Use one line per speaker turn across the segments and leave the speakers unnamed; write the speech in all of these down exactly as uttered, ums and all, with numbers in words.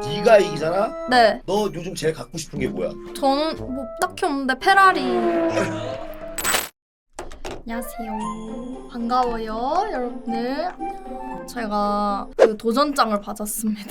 네가 이기잖아?
네.
너 요즘 제일 갖고 싶은 게 뭐야?
저는 뭐 딱히 없는데 페라리. 안녕하세요. 반가워요, 여러분들. 제가 그 도전장을 받았습니다.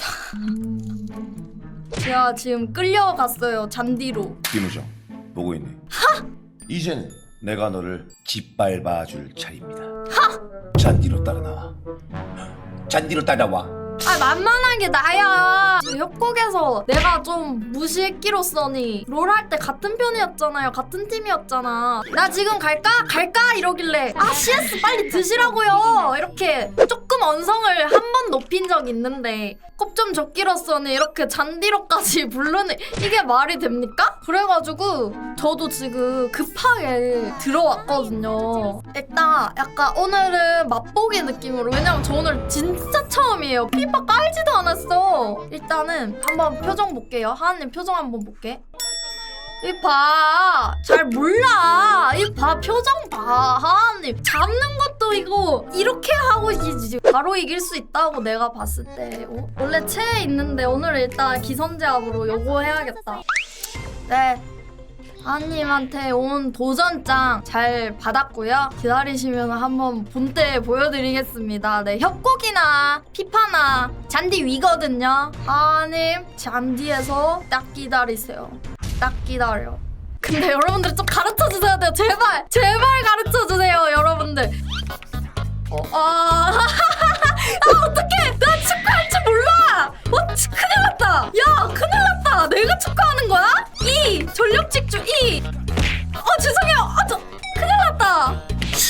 제가 지금 끌려갔어요, 잔디로.
김우정 보고 있네. 하! 이제는 내가 너를 짓밟아줄 차례입니다. 하! 잔디로 따라 나와. 잔디로 따라와.
아, 만만하게 나야. 협곡에서 내가 좀 무시했기로써니 롤 할 때 같은 편이었잖아요. 같은 팀이었잖아. 나 지금 갈까? 갈까? 이러길래 아 씨에스 빨리 드시라고요. 이렇게 조금 언성을 한 번 높인 적 있는데 꼽 좀 적기로써니 이렇게 잔디로까지 부르는 이게 말이 됩니까? 그래가지고 저도 지금 급하게 들어왔거든요. 일단 약간 오늘은 맛보기 느낌으로, 왜냐면 저 오늘 진짜 처음이에요. 피파 깔지도 않았어. 일단은 한번 표정 볼게요. 하하님 표정 한번 볼게. 이 봐, 잘 몰라. 이 봐, 표정 봐. 하하님 잡는 것도 이거 이렇게 하고 이기지. 바로 이길 수 있다고 내가 봤을 때. 어? 원래 체에 있는데 오늘 일단 기선제압으로 요거 해야겠다. 네, 하하님한테 온 도전장 잘 받았고요. 기다리시면 한번 본때 보여드리겠습니다. 네, 협곡이나 피파나 잔디 위거든요. 하하님 잔디에서 딱 기다리세요. 딱 기다려. 근데 여러분들 좀 가르쳐주셔야 돼요. 제발 제발 가르쳐주세요, 여러분들. 어, 아, 아 어떡해. 나 축구할 줄 몰라. 어, 치, 큰일 났다. 야, 큰일 났다. 내가 축구하는 거야? 이 전력 직주 이. 어, 죄송해요. 아, 저 큰일 났다. 쉣.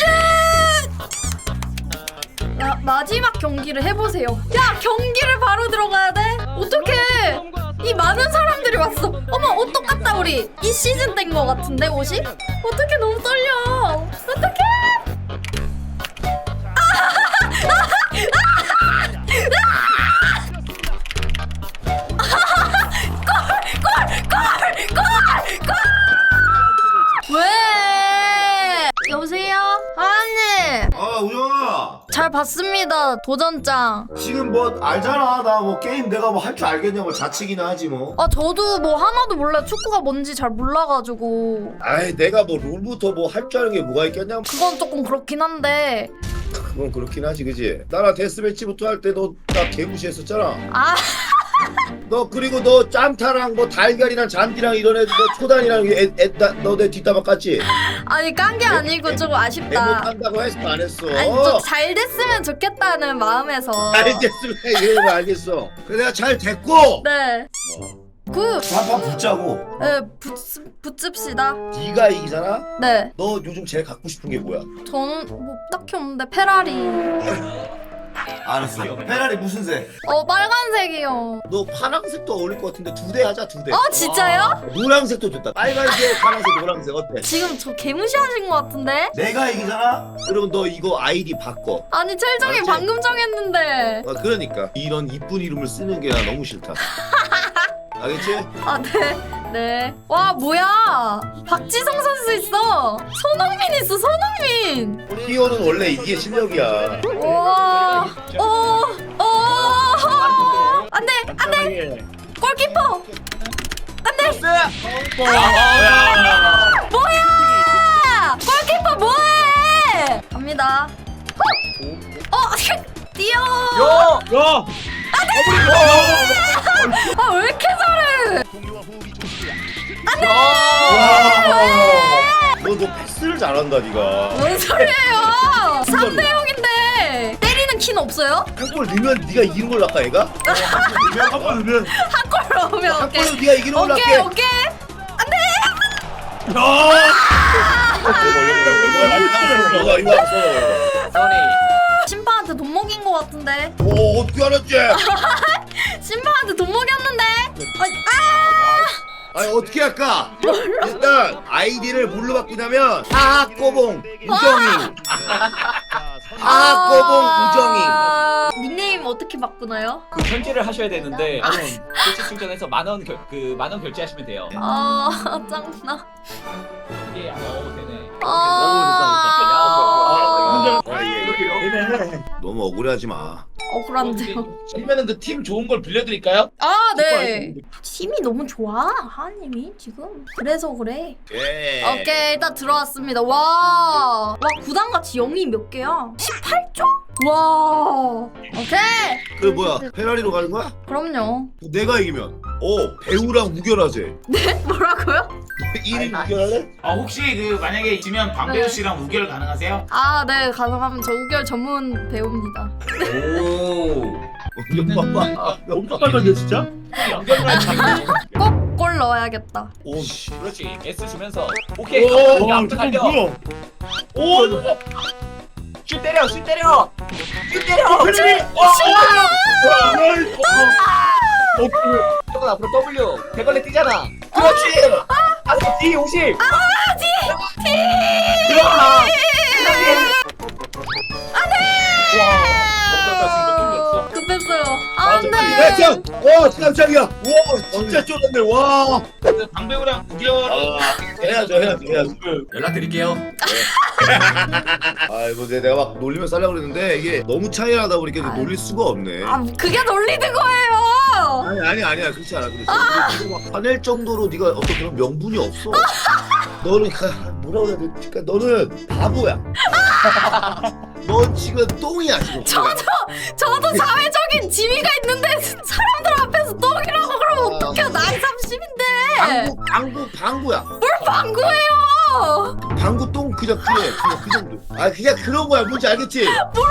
야, 마지막 경기를 해보세요. 야, 경기를 바로 들어가야 돼? 어떡해. 이 많은 사람들이 왔어. 어머, 옷 똑같다 우리. 이 시즌 된 거 같은데 옷이? 어떡해, 너무 떨려. 어떡해. 왜? 여보세요? 하하님.
아 우정아,
잘 봤습니다, 도전장.
지금 뭐 알잖아. 나 뭐 게임 내가 뭐 할 줄 알겠냐고. 자치기나 하지 뭐.
아, 저도 뭐 하나도 몰라요. 축구가 뭔지 잘 몰라가지고.
아이, 내가 뭐 롤부터 뭐 할 줄 아는 게 뭐가 있겠냐.
그건 조금 그렇긴 한데.
그건 그렇긴 하지, 그지? 나랑 데스매치부터 할 때 너 나 개무시했었잖아.
아,
너 그리고 너 짬타랑 뭐 달걀이랑 잔디랑 이런 애들, 너 초단이랑 애, 애, 나, 너 내 뒷담화 깠지?
아니 깐 게 아니고 조금 아쉽다.
못한다고 했어 안 했어?
아니, 좀 잘 됐으면 좋겠다는 마음에서.
잘 됐으면 이러면 알겠어. 그래 내가 잘 됐고
네. 그,
한판 붙자고.
네, 붙, 붙읍시다.
네가 이기잖아?
네.
너 요즘 제일 갖고 싶은 게 뭐야?
저는 뭐 딱히 없는데 페라리.
알았어. 페라리 무슨 색?
어, 빨간색이요.
너 파란색도 어울릴 것 같은데 두 대 하자, 두 대.
어, 진짜요?
노란색도 좋다. 빨간색, 파란색, 노란색 어때?
지금 저 개무시하신 것 같은데?
내가 이기잖아? 그러면 너 이거 아이디 바꿔.
아니, 첼정이
알았지?
방금 정했는데.
아, 그러니까 이런 이쁜 이름을 쓰는 게 나 너무 싫다. 알겠지?
아, 네. 네. 와, 뭐야. 박지성 선수 있어. 손흥민 있어, 손흥민.
히어는 원래 이게 실력이야.
와. 어, 어. 안 돼, 안 돼. 골키퍼. 안 돼. 뭐야. 골키퍼 뭐해. 갑니다. 어, 뛰어.
야! 야!
아, 왜 이렇게 잘해.
너, 너 패스를 잘한다, 네가.
뭔 소리예요? 삼 대 영인데 때리는 키는 없어요?
한 골 넣으면 네가 이기는 걸로 할까, 얘가? 한 골 넣으면
한 골 넣으면
한
오케이.
골로 네가 이기는 걸로
오케이,
할게.
오케이.
이거 이거 왔어.
심판한테 돈 먹인 거 같은데.
오, 어떻게 알았지?
심판한테 돈 먹였는데. 아니, 아!
아니 어떻게 할까? 일단 아이디를 뭘로 바꾸냐면 하하꼬봉 우정이. 하하꼬봉 우정이.
아, 닉네임 어떻게 바꾸나요?
그 현질을 하셔야 되는데 만원 실시 충전해서 만원 그 만원 결제하시면 돼요.
아, 짱나.
이게 어 되네.
아,
아, 예. 너무 억울해하지 마.
억울한데요.
그러면은 그 팀 좋은 걸 빌려드릴까요?
아 네. 팀이 너무 좋아 하하님이 지금. 그래서 그래.
예.
오케이 일단 들어왔습니다. 와, 와 구단 같이 영이 몇 개야? 십팔 조? 와, 오케이.
그 뭐야 페라리로 가는 거야?
그럼요.
내가 이기면 어 배우랑 우결하재.
뭐라고요?
일 인 우결할래?
아 혹시 그 만약에 지면 방배우
네.
씨랑 우결 가능하세요?
아, 네 가능하면 저 우결 전문 배우입니다.
오.
봐봐.
엄청 빨간데 진짜?
연결을 하지.
꼭 골 넣어야겠다.
오 씨.
그렇지. S 주면서 오케이.
오,
야,
와,
달려.
뭐야?
오, 슛 때려, 슛 때려, 슛 때려.
펠리!
조금 앞으로 W. 대걸레 뛰잖아. 그렇지. 아, D 오십. 아, D, D. 들어가. 안돼. 와, 지금 못 돌렸어.
급했어요. 아,
아,
안
야,
돼.
짱! 와, 깜짝이야! 와, 진짜 쫄았네, 와!
그 방배우랑 우결.
해야죠, 해야죠, 해야죠.
연락드릴게요.
아이고, 내- 내가 막 놀리면 살려고 그랬는데, 이게 너무 차이 나다 보니까 이제
아유.
놀릴 수가 없네.
아, 그게 놀리는 거예요.
아니, 아니, 아니야. 그렇지 않아. 그렇지. 그리고 막 화낼 정도로 네가 어떤 그런 명분이 없어. 너는, 그, 뭐라고 해야 되지? 그러니까 너는 바보야. 넌 지금 똥이야, 지금.
저도 저도 사회적인 지위가 있는데 사람들 앞에서 똥이라고 그러면 어떡해? 나이 삼십인데.
방구, 방구, 방구야.
방구예요.
방구 똥 그냥 그래. 그냥 그 정도. 아, 그냥 그런 거야. 뭔지 알겠지?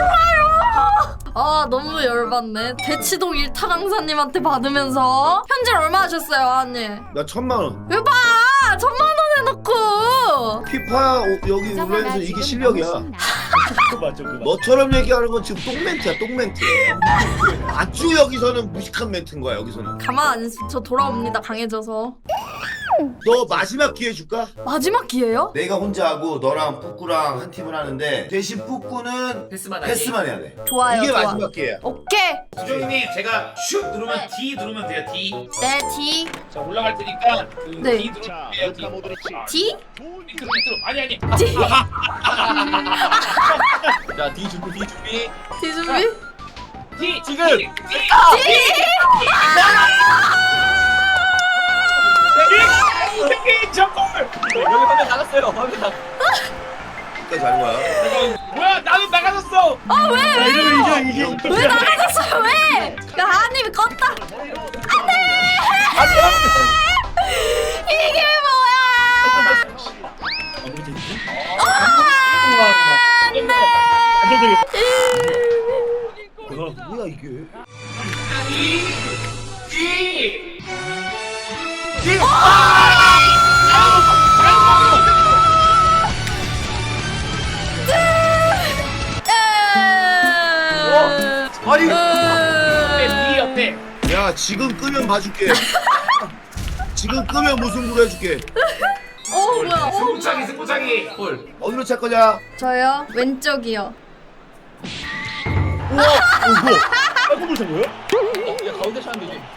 아 너무 열받네. 대치동 일타 강사님한테 받으면서 현질 얼마 하셨어요, 하님?
나 천만 원.
왜 봐? 천만 원 해놓고.
피파 오- 여기 올라서 이게 실력이야.
그거 맞죠, 그거.
너처럼 얘기하는 건 지금 똥멘트야, 똥멘트. 아주 여기서는 무식한 멘트인 거야, 여기서는.
가만 안 있어. 저 돌아옵니다. 강해져서.
너 마지막 기회 줄까?
마지막 기회요?
내가 혼자 하고 너랑 뿌꾸랑 한 팀을 하는데 대신 뿌꾸는
패스만 하기.
패스만 해야 돼.
좋아요.
이게
좋아.
마지막 기회야.
오케이.
수정님 제가 슛 누르면 D 누르면 돼요. D.
네 D
자 올라갈 테니까 그
네.
D 누르면 돼요. D.
D
밑으로 밑으로. 아니 아니.
D
자 D 준비, D 준비.
D 준비.
D 지금. D. D 저골. 여기 화면 나갔어요. 화면 나.
끝까지 하는 거야.
뭐야 나는 나가졌어.
아 왜?
야, 이러면 이게 이게
왜 나가졌어요? 왜? 야 하님이 껐다. 안돼. 이게 뭐야? 안돼.
안 되겠다.
어, 뭐야 이게?
D. D.
아니.
어때? D 어때?
야 지금 끄면 봐줄게. 지금 끄면 무승부로 해줄게.
어 뭐야? 어
승부차기
뭐야?
승부차기. 볼.
어디로 찰 거냐?
저요 왼쪽이요.
우와, 어, 뭐야? 깔끔을 산 거야?
어, 야 가운데 쳤는데 이게.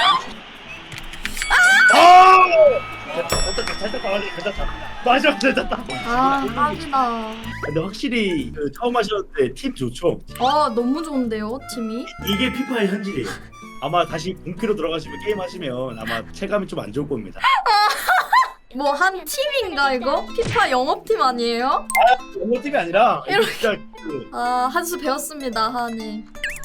아! 됐다, 어떻게 살짝 막아주기 괜찮다. 맞아, 괜찮다.
아 깜이다.
근데 확실히 그 처음 하셨는데 팀 좋죠?
아 너무 좋은데요 팀이?
이게 피파의 현실이에요. 아마 다시 본캐로 들어가시면 게임 하시면 아마 체감이 좀 안 좋을 겁니다.
뭐 한 팀인가 이거? 피파 영업팀 아니에요?
영어 팀이 아니라
이렇게.
진짜 그
아 한 수 배웠습니다 하님.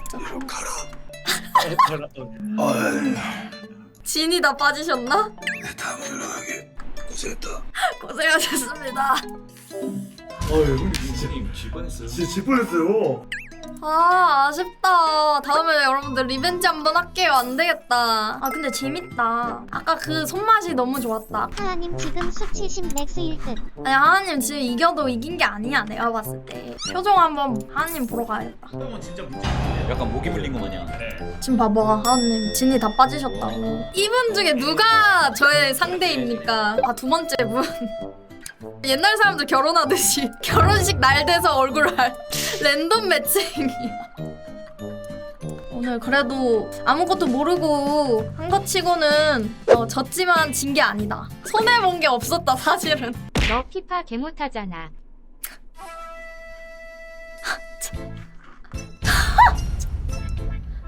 진이 다 빠지셨나?
다음 연락하게 고생했다.
고생하셨습니다.
어휴,
수정님 질 뻔했어요.
진짜 질 뻔했어요.
아 아쉽다. 다음에 여러분들 리벤지 한번 할게요. 안 되겠다. 아 근데 재밌다. 아까 그 손맛이 너무 좋았다.
하하님 지금 수치심 맥스 일 등.
아니 하나님 지금 이겨도 이긴 게 아니야 내가 봤을 때. 표정 한번 하나님 보러 가야겠다.
형은 진짜 문제 없는데요?
약간 목이 물린 거 마냥.
지금 봐봐 하나님 진이 다 빠지셨다고. 이분 중에 누가 저의 상대입니까? 아 두 번째 분. 옛날 사람들 결혼하듯이 결혼식 날 돼서 얼굴 알 랜덤 매칭이야. 오늘 그래도 아무것도 모르고 한 것 치고는 어, 졌지만 진 게 아니다. 손해본 게 없었다 사실은.
너 피파 개 못하잖아.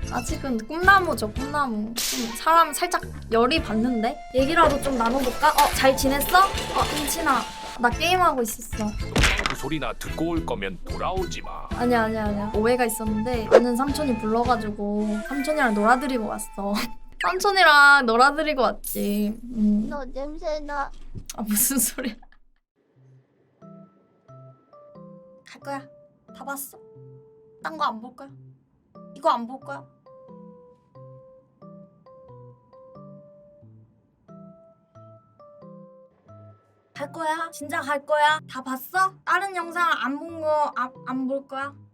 아직은 꿈나무죠, 꿈나무. 좀 사람 살짝 열이 받는데? 얘기라도 좀 나눠볼까? 어, 잘 지냈어? 어, 인친아. 나 게임하고 있었어.
그 소리나 듣고 올 거면 돌아오지 마.
아니야, 아니야, 아니야. 오해가 있었는데 아는 삼촌이 불러가지고 삼촌이랑 놀아드리고 왔어. 삼촌이랑 놀아드리고 왔지. 음.
너 냄새나.
아, 무슨 소리야. 갈 거야. 다 봤어? 딴 거 안 볼 거야? 이거 안 볼 거야? 갈 거야? 진짜 갈 거야? 다 봤어? 다른 영상 안 본 거 안 안 볼 거야?